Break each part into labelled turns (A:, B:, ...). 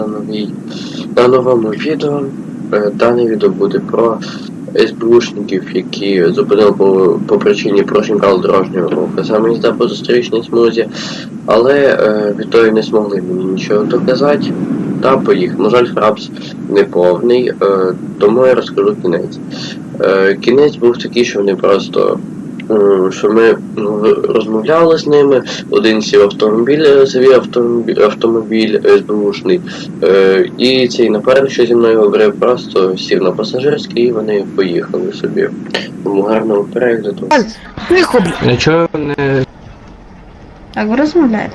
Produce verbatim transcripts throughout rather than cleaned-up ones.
A: новій, на новому відео. Дане відео буде про СБУшників, які зупинили по, по причині порушень правил дорожнього руху. Саме їзда по зустрічній смузі, але е, відтоді не змогли мені нічого доказати. Та поїхав. На жаль, фрапс не повний, е, тому я розкажу кінець. Е, кінець був такий, що вони просто що ми розмовляли з ними, один сів автомобіль, свій автомобіль, автомобіль СБУшний, е, і цей напарник, що зі мною говорив, просто сів на пасажирський і вони поїхали собі. Тому гарного перегляду.
B: Тихо, блядь.
C: Нічого не...
D: Так, ви розмовляєте?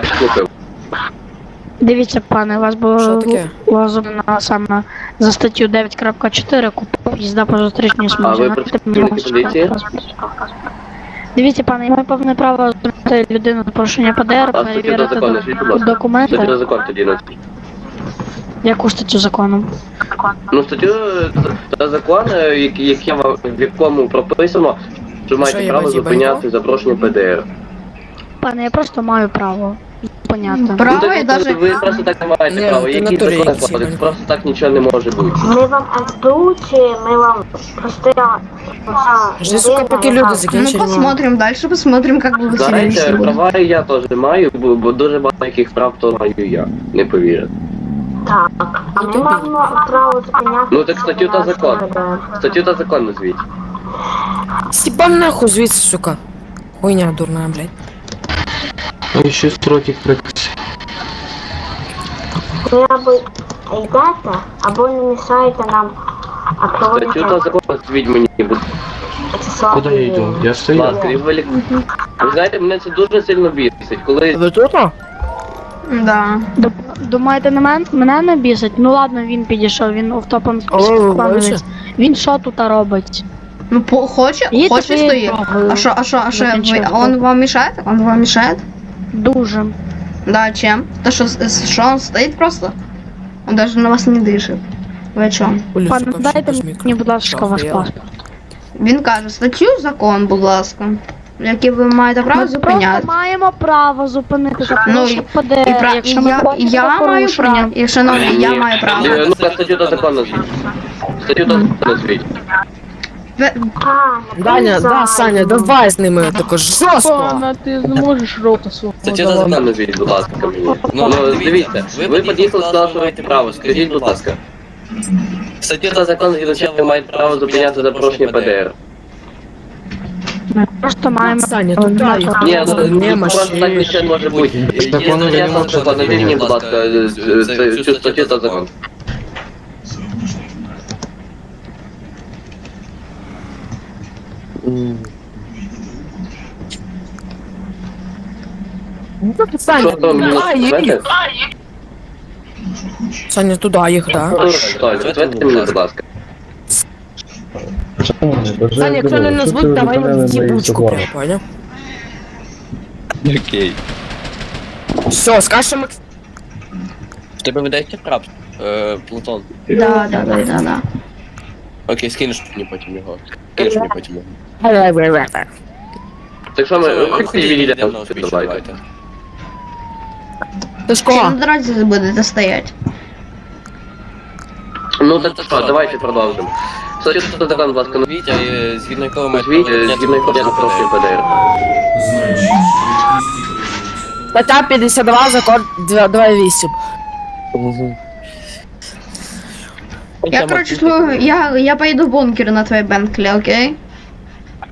E: Дивіться, пане, вас
B: Що
E: було
B: таке?
E: лазовано саме за статтю дев'ять крапка чотири купа їзда по зустрічній смузі.
A: А ви працівники поліції?
E: Дивіться, пане, я маю повне право зупинити людину за порушення ПДР,
A: А статтю до
E: перевірити
A: закону, скажіть, будь ласка. Статтю до
E: документи.
A: закону тоді на
E: Яку статтю закону?
A: Ну, статтю та закон, який, який вам- в якому прописано, що маєте
B: Що, я
A: право
B: базі
A: зупиняти за порушення ПДР.
E: Пане, я просто маю право зупиняти.
D: Право
A: Ну, так,
D: і даже...
A: ви просто так не маєте
B: Ні,
A: права.
B: ти
A: Який
B: натурі
A: закон
B: якийсь
A: кодекс?
B: єбаний.
A: Просто так нічого не може бути.
F: Ми вам СБУ чи ми вам просто...
B: Жди, сука, поки люди
D: Ну,
B: закінчать.
D: посмотрим дальше, посмотрим, как вы себя
A: Знаєте,
D: вести будете.
A: права і я теж маю, бо, бо дуже багато яких прав то маю я. Не повірите.
F: Так, а ми маємо право зупиняти...
A: Ну так статтю та закон. Статтю та закон назвіть.
B: Степан нахуй звідси, сука. Хуйня дурна, блядь.
C: Ну, ще строки приказ.
F: Ви або йдете, або не мішаєте нам а
A: Статтю та
F: проводити
A: закон назвіть мені, будь
F: процесуальні
C: Куди я йду?
F: дії.
C: Я стою.
A: ласка. І ви, лік- ви знаєте, мене це дуже сильно бісить, коли...
B: Ви тут?
D: Да.
E: Ду- Думаєте, на мен, мене не бісить? Ну ладно, він підійшов, він офтопом
B: Алло,
E: співпадець.
B: бачиш?
E: Він що тут робить?
D: Ну, по, хоче,
E: Їдьте
D: хоче
E: своєю
D: стоит.
E: дорогою.
D: А что, а что, а что, вы,
E: Закінчили.
D: он вам мешает? Он вам мешает?
E: Дуже.
D: Да, чем? То, что, с- что он стоит просто? Он даже на вас не дышит. Вы о чем?
E: Пане, дайте мені, будь ласка, ваш паспорт.
D: Він каже, статтю закон, будь ласка, який ви маєте право
E: Ми просто
D: зупиняти.
E: маємо право зупинити за
D: Ну,
E: порушення
D: І,
E: ПДР,
D: пра... і
E: якщо ми
D: я,
E: бачимо
D: я маю
E: порушення.
D: право, і шановні, я маю право.
A: Е, Ну, так, статтю та закон назвіть. Статтю та закон назвіть.
D: Ви-
F: А,
B: Даня, да, Саня, давай з ними тако жорстко.
E: Пане, ти зможеш рота свого
A: Статтю та закон назвіть, будь ласка, мені. Ну, дивіться, ви під'їхали, сказали, що маєте право. Скажіть, будь ласка. Статтю та закон, згідно чого ви маєте право зупиняти за порушення ПДР.
E: Ми просто маємо...
B: Саня, туди
E: Маємо-
B: їх.
A: Ні, ну,
B: Не,
A: ну, просто так
B: машин.
A: нічого не може бути.
C: Закону
A: Є
C: ви не
A: стаття та
C: можете
A: закон, назвіть мені, будь ласка, е, це- цю статтю та закон.
B: Саня,
A: Що там, мені
B: туди їх.
A: знаєте?
B: Саня, туди їх, да.
A: Толь, відповідьте мені, будь ласка.
B: Саня, якщо не назвуть, давай в їбучку прям, понял?
G: Окей.
B: Все, скажемо.
G: В тебе видається краб, е, Плутон.
D: Да, да, да, да, да.
G: Окей, скинеш мені потім його. Скинеш мені потім його.
A: Так що ми, хочете
G: Ходіть,
A: відійдемо,
G: йдемо на узбіч,
A: давайте.
G: давайте.
B: Ти
D: Чи на
B: школа?
D: дорозі будете стоять?
A: Ну так що, давайте продовжимо. Статтю та закон, будь ласка,
G: Назвіть, е, згідно якого ви маєте
A: назвіть,
G: право
A: е,
G: зупиняти
A: згідно якого я
G: за
A: запрошую
G: порушення
A: ПДР.
B: Стаття п'ятдесят два, закон два вісім.
G: Мгм.
D: Я, короче, слу- я, я поеду в бункер на твоей Бентлі, окей?